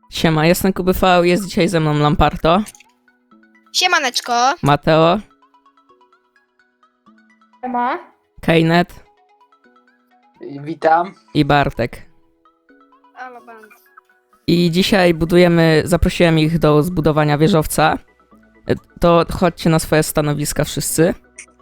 Siema, jestem KubyV, jest dzisiaj ze mną Lamparto, Siemaneczko. Mateo, Ma? Kejnet Witam. i Bartek. Halo, band. I dzisiaj zaprosiłem ich do zbudowania wieżowca. To chodźcie na swoje stanowiska wszyscy.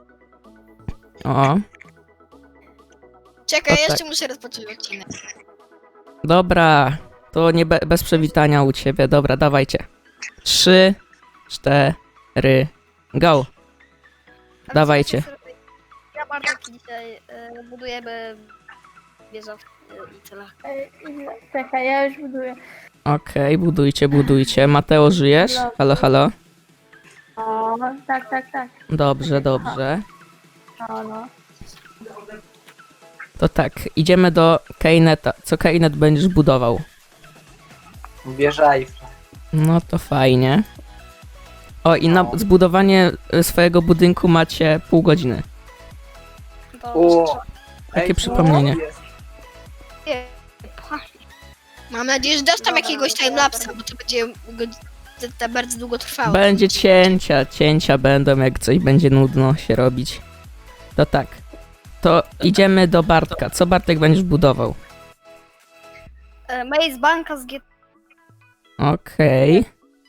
O, Czekaj, O, tak. jeszcze muszę rozpocząć odcinek. dobra, to nie bez przywitania u ciebie, dobra, dawajcie. 3, 4, go. Dawajcie. Ja bardzo dzisiaj budujemy wieżę i tyle. Czekaj, ja już buduję. Okej, budujcie. Mateo, żyjesz? Halo, halo. O, tak. Dobrze. No. To tak, idziemy do Kejneta. Co Kejnet będziesz budował? Wieża Eiffla. No to fajnie. O, i na zbudowanie swojego budynku macie pół godziny. O! Takie Ej, przypomnienie. co jest? Mam nadzieję, że dasz tam jakiegoś timelapsa, bo to będzie bardzo długo trwało. Będzie cięcia będą, jak coś będzie nudno się robić. To tak. To idziemy do Bartka. Co Bartek będziesz budował? Maze Banka z G... Okej.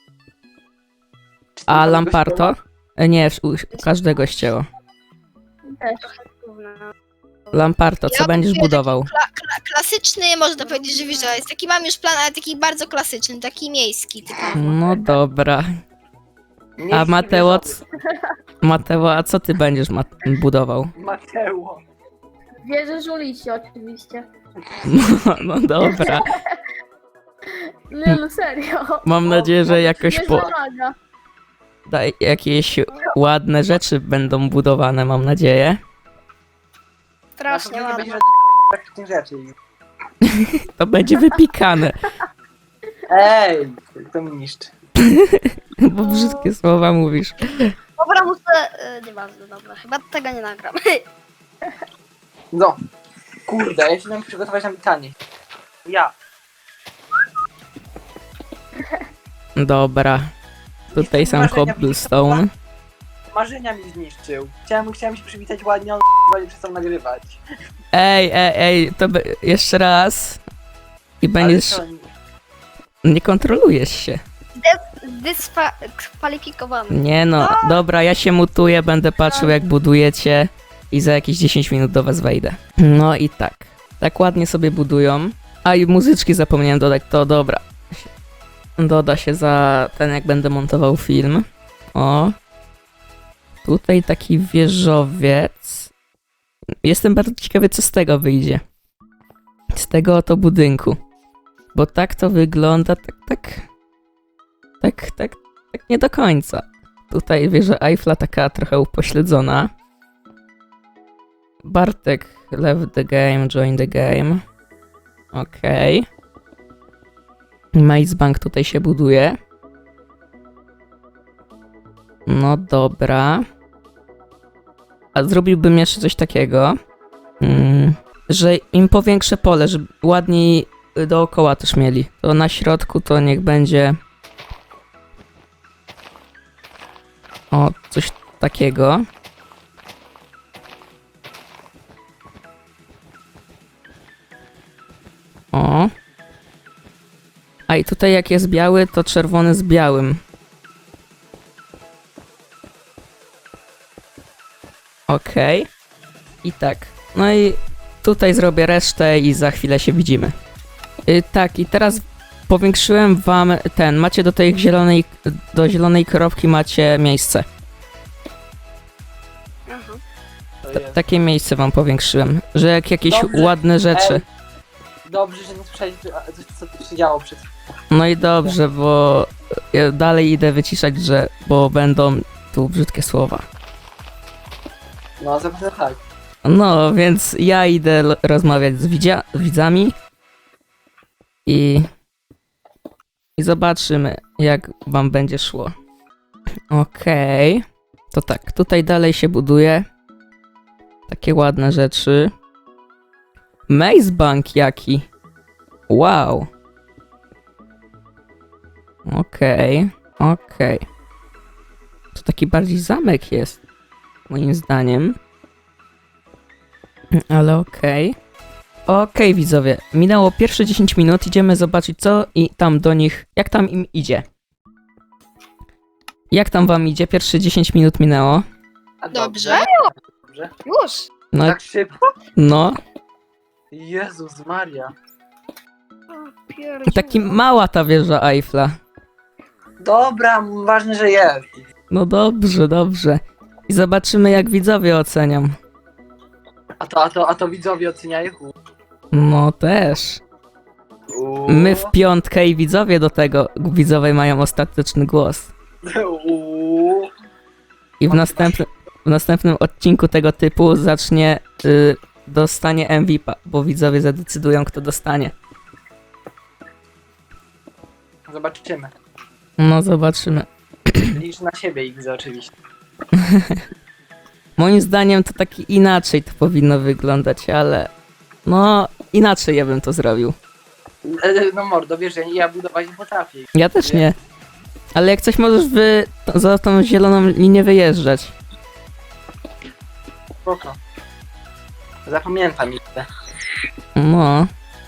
Czy A to Lamparto? Nie, u każdego ścięło. Też. Lamparto, co Ja będziesz buduję budował? Klasyczny, można powiedzieć, że wieża jest taki, mam już plan, ale taki bardzo klasyczny, taki miejski typowy. No dobra. Nie A chcę Mateo, wieżowy. Mateo, a co ty będziesz budował? Mateo. Wierzę Żulici oczywiście. No dobra. Nie, no serio. Mam nadzieję, że jakoś Wieża maga. jakieś ładne rzeczy będą budowane, mam nadzieję. Strasznie Nie ładnie. będzie żadnych praktycznych rzeczy. To będzie wypikane, Ej! To mi niszczy. bo brzydkie słowa mówisz. Dobra, muszę... nieważne, dobra, chyba tego nie nagram. No. Kurde, ja się miałem przygotować na pytanie. Ja. Dobra. Tutaj są Marzenia cobblestone. Marzenia mi zniszczył. Chciałem się przywitać ładnie, on nie przestał nagrywać. Ej, to jeszcze raz. I Ale będziesz... co, Nie kontrolujesz się. Dyskwalifikowany. Nie no, dobra, ja się mutuję, będę patrzył jak budujecie i za jakieś 10 minut do was wejdę. No i tak. Tak ładnie sobie budują. A i muzyczki zapomniałem dodać, to dobra. Doda się za ten, jak będę montował film. O. Tutaj taki wieżowiec. Jestem bardzo ciekawy, co z tego wyjdzie. Z tego oto budynku. Bo tak to wygląda, tak nie do końca. Tutaj wieża Eiffla taka trochę upośledzona. Bartek left the game, join the game. Okej. Maze Bank tutaj się buduje. No dobra. A zrobiłbym jeszcze coś takiego, że im powiększę pole, żeby ładniej dookoła też mieli. To na środku to niech będzie... O, coś takiego. O. A i tutaj jak jest biały, to czerwony z białym. Okej. I tak. No i tutaj zrobię resztę i za chwilę się widzimy. Tak, i teraz powiększyłem wam macie do zielonej kropki macie miejsce. Aha. to jest. Takie miejsce wam powiększyłem, że jak jakieś Dobrze. ładne rzeczy. Ej, dobrze, że nie słyszeliście, co tu się działo przed chwilą. No i dobrze, bo ja dalej idę wyciszać, bo będą tu brzydkie słowa. No, zapewne tak. No, więc ja idę rozmawiać z widzami i zobaczymy, jak wam będzie szło. Okej. To tak, tutaj dalej się buduje. Takie ładne rzeczy. Maze Bank jaki. Wow. Okej. To taki bardziej zamek jest, moim zdaniem. Ale okej. Okej, widzowie, minęło pierwsze 10 minut, idziemy zobaczyć co i tam do nich, jak tam im idzie. Jak tam wam idzie? Pierwsze 10 minut minęło. A Dobrze. Dobrze. Już. No, Tak szybko? no, Jezus Maria. taki mała ta wieża Eiffla. Dobra, ważne, że jest. No dobrze. I zobaczymy jak widzowie ocenią. A to widzowie oceniają. No też. My w piątkę i widzowie do tego, widzowie mają ostateczny głos. Uuu. I w następnym odcinku tego typu dostanie MVP, bo widzowie zadecydują kto dostanie. Zobaczymy. No zobaczymy. Licz na siebie ich oczywiście. Moim zdaniem to taki inaczej to powinno wyglądać, ale no inaczej ja bym to zrobił. No mordo, wiesz, ja budować nie potrafię. Ja też nie. Ale jak coś możesz za tą zieloną linię wyjeżdżać. Spoko. Zapamiętam ich. No.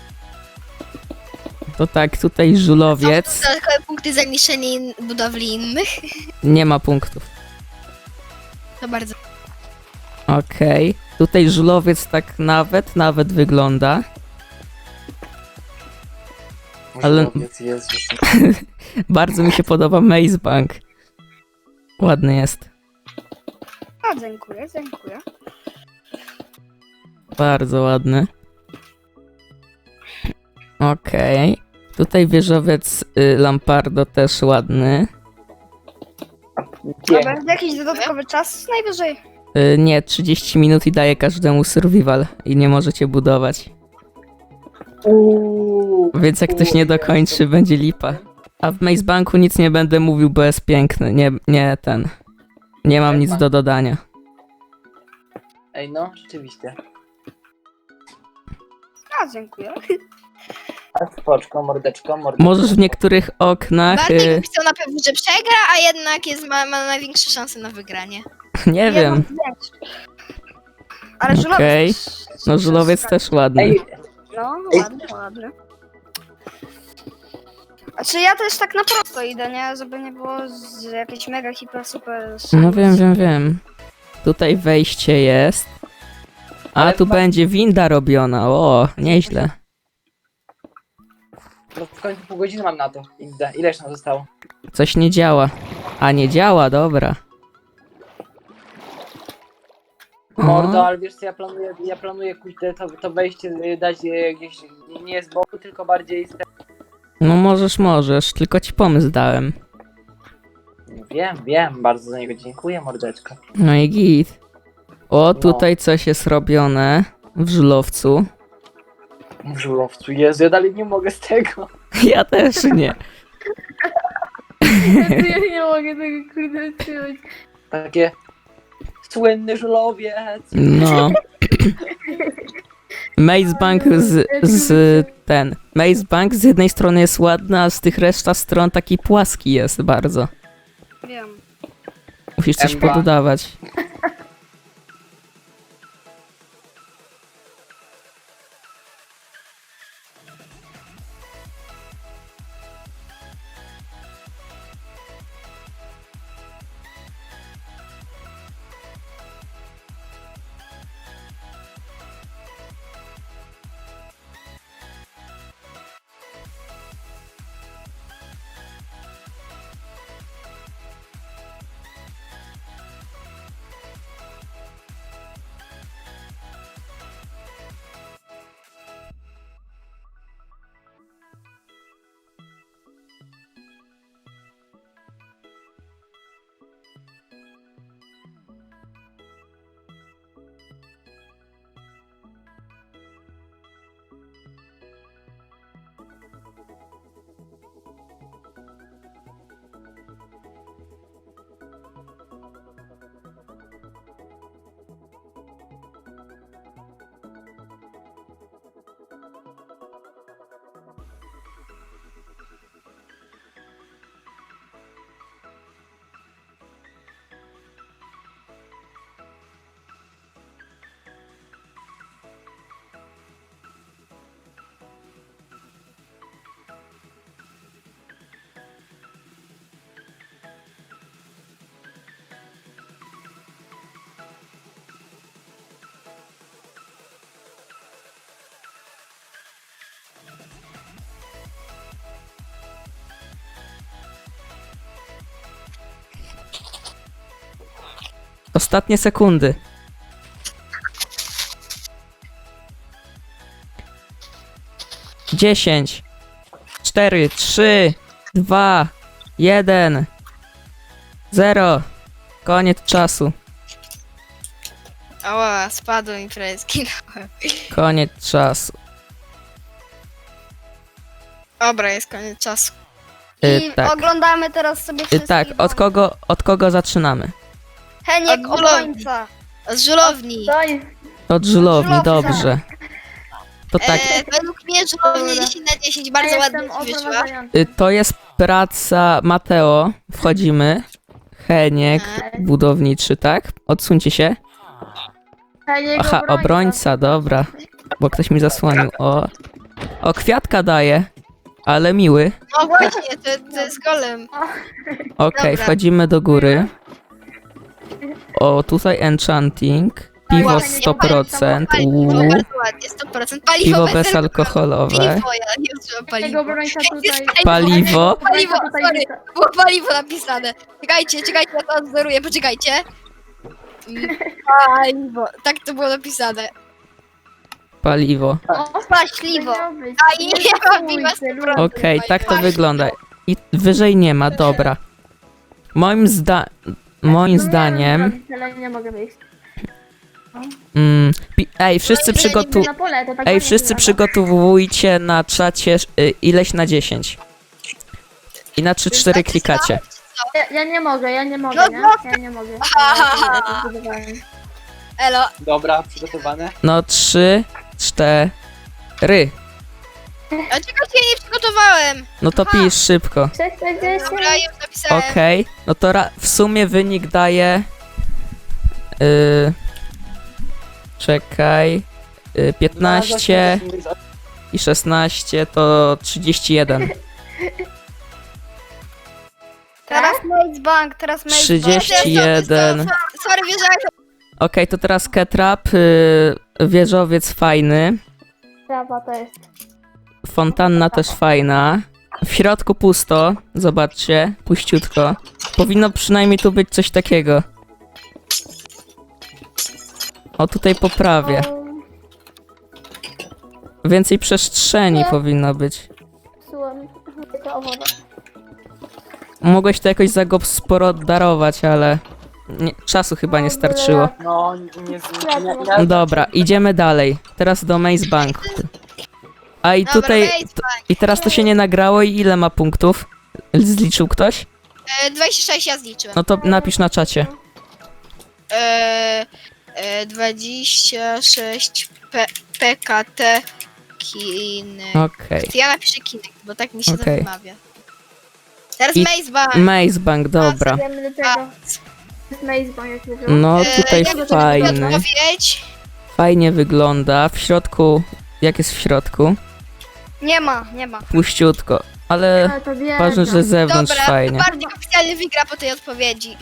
To tak, tutaj żulowiec. Dodatkowe punkty za niszczenie budowli innych. Nie ma punktów. To bardzo. Okej. Tutaj żulowiec tak nawet wygląda. Ale- Jezus. Bardzo mi się podoba Maze Bank. Ładny jest. A, dziękuję. Bardzo ładny. Okej. Tutaj wieżowiec Lampardo też ładny. A będzie jakiś dodatkowy czas? Najwyżej. Nie, 30 minut i daje każdemu survival i nie możecie budować. Więc jak ktoś nie dokończy, będzie lipa. A w Maze Banku nic nie będę mówił, bo jest piękny. Nie mam nic do dodania. Ej, no, rzeczywiście. A, dziękuję. Spoczko, mordeczko. Możesz w niektórych oknach... Bartek chciał na pewno, że przegra, a jednak ma największe szanse na wygranie. nie wiem. Ale żulowiec. Okej. No żulowiec też ładny. Ej, No, ładny. A czy ja też tak na prosto idę, nie? Żeby nie było jakieś mega hiper super. No wiem. Tutaj wejście jest. A Ale tu będzie winda robiona. O, nieźle. no w końcu pół godziny mam na to. Ileż nam zostało? Coś nie działa. A nie działa, dobra. Mordo, ale wiesz co, ja planuję kurde, to wejście dać gdzieś nie z boku, tylko bardziej z No możesz, tylko ci pomysł dałem. Wiem, bardzo za niego dziękuję, mordeczko. No i git. O, tutaj coś jest robione w żulowcu. W żurowcu, Jezu, ja dalej nie mogę z tego. Ja też nie. Ja nie mogę tego kurde trzymać. Takie słynny żulowiec. No. Maze Bank Maze Bank z jednej strony jest ładny, a z tych reszta stron taki płaski jest bardzo. Wiem. Musisz coś Emba. pododawać. Ostatnie sekundy. Dziesięć, 4, 3, 2, 1, 0. Koniec czasu. Ała, spadły mi prawie zginąłem. Koniec czasu. Dobra, jest koniec czasu. I Tak. oglądamy teraz sobie wszystkich. Tak, od kogo zaczynamy? Heniek, Od obrońca. Z żulowni. Od żulowni, żulowca. dobrze. To tak, Według mnie żulownia 10 na 10 bardzo ładnie ci wyszła. to jest praca Mateo. Wchodzimy. Heniek, budowniczy, tak? Odsuńcie się. Aha, obrońca, dobra. Bo ktoś mi zasłonił. O, kwiatka daje. Ale miły. No właśnie, to jest golem. Okej, Dobra. wchodzimy do góry. O, tutaj enchanting. Piwo Ładnie, 100%. Paliwo, Uuu. bardzo ładnie, 100%. Paliwo Piwo bez bezalkoholowe. Piwo, ja nie używam Jego paliwa. obrońca tutaj. Paliwo. Paliwo, tutaj sorry, wita. było paliwo napisane. Czekajcie, ja to odzoruję, poczekajcie. Paliwo, tak to było napisane. Paliwo. Paśliwo. A i nie ma piwa 100%. Okej, tak to wygląda. I wyżej nie ma, dobra. Moim zdaniem... Nie mogę wyjść. Ej, wszyscy Na pole, to tak Ej, ładnie wszyscy wygląda. przygotowujcie na czacie ileś na 10. I na 3-4 klikacie. Ja nie mogę, No, nie? Ja nie mogę. Ja to zbudowałem. Elo, Dobra, przygotowane. No 3, 4. a czekajcie, ja nie przygotowałem. No to pisz szybko. 640. Dobra, już napisałem. Okej, no to w sumie wynik daje... czekaj... 15 i 16 to 31. Teraz Maze Bank, teraz Maze 31. Sorry, wierzałem. Okej, to teraz Ketrap, wieżowiec fajny, Bank. To jest. fontanna też fajna. W środku pusto, zobaczcie, puściutko. Powinno przynajmniej tu być coś takiego. O, tutaj poprawię. Więcej przestrzeni powinno być. Psułem to owoce. Mogłeś to jakoś zagospodarować, ale czasu chyba nie starczyło. No, Dobra, idziemy dalej. Teraz do Maze Bank. A i Dobra, tutaj... Maze I teraz to się nie nagrało i ile ma punktów? Zliczył ktoś? 26 ja zliczyłem. No to napisz na czacie. 26 PKT Kinek. Okej. Ja napiszę Kinek, bo tak mi się to Okej. wymawia. Teraz I- Maze Bank. Maze Bank, dobra. Idziemy do tego. Maze Bank, jak mówię. No tutaj ja bym fajny. odpowiedź. Fajnie wygląda. W środku... Jak jest w środku? Nie ma. Puściutko. Ale to wiem. ważne, że z zewnątrz Dobra, fajnie. Bartek oficjalnie wygra po tej odpowiedzi.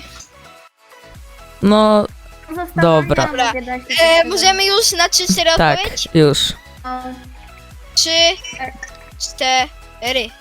No, dobra. Dobra. Możemy już na 3-4 tak, odpowiedź? już. 3, 4.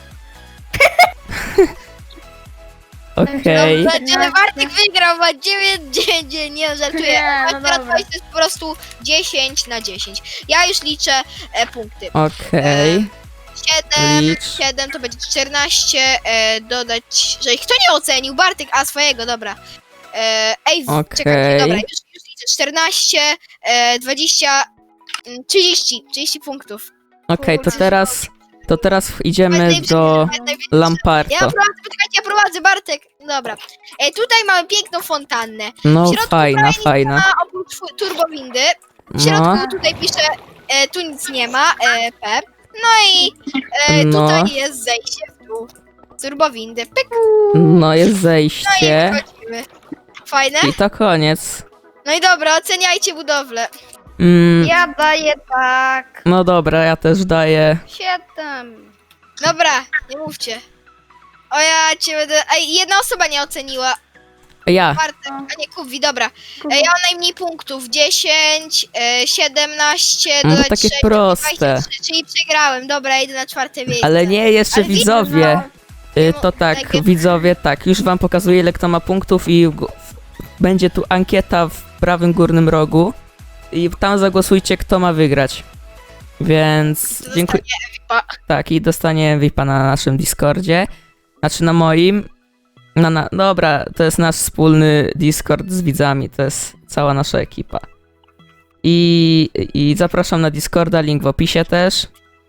Okej. Dobrze, czyli Bartek wygrał, ma 9, nie żartuję. Nie, A no teraz dobra. to jest po prostu 10 na 10. Ja już liczę punkty. Okej. 7, Licz. 7 to będzie 14, dodać, że kto nie ocenił? Bartek, a swojego, dobra. Czekajcie, dobra, już liczę. 14, 20, 30 punktów. Okej, to teraz idziemy Najlepszy- do najlepszy- Lamparto. Ja prowadzę, poczekajcie, ja prowadzę, Bartek. Dobra. Tutaj mamy piękną fontannę. No, w środku fajna. A oprócz turbowindy. W środku No, tutaj pisze, tu nic nie ma, P. No i No. tutaj jest zejście w dół. Turbowindy, pyk, no jest no i zejście. wchodzimy. Fajne? I to koniec. No i dobra, oceniajcie budowlę. Ja daję tak. No dobra, ja też daję. 7. Dobra, nie mówcie. O ja cię będę... Ej, jedna osoba nie oceniła. Ja. Bartek, a nie Kubi, dobra. Ja mam najmniej punktów. 10, 17, No dodać takie 6, proste. 23, czyli przegrałem. Dobra, idę na 4 miejsce. Ale nie, jeszcze Ale widzę, widzowie. no, To tak, widzowie, tak. Już wam pokazuję, ile kto ma punktów i będzie tu ankieta w prawym górnym rogu i tam zagłosujcie, kto ma wygrać. Więc To dziękuję. dostanie Tak, i dostanie VIPa na naszym Discordzie. Znaczy na moim. Dobra, to jest nasz wspólny Discord z widzami, to jest cała nasza ekipa. I zapraszam na Discorda, link w opisie też.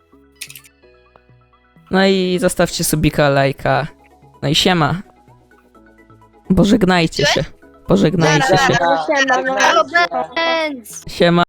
No i zostawcie subika, lajka. No i siema. Pożegnajcie się. Pożegnajcie się. Zaraz. Siema, Zaraz. no. Siema.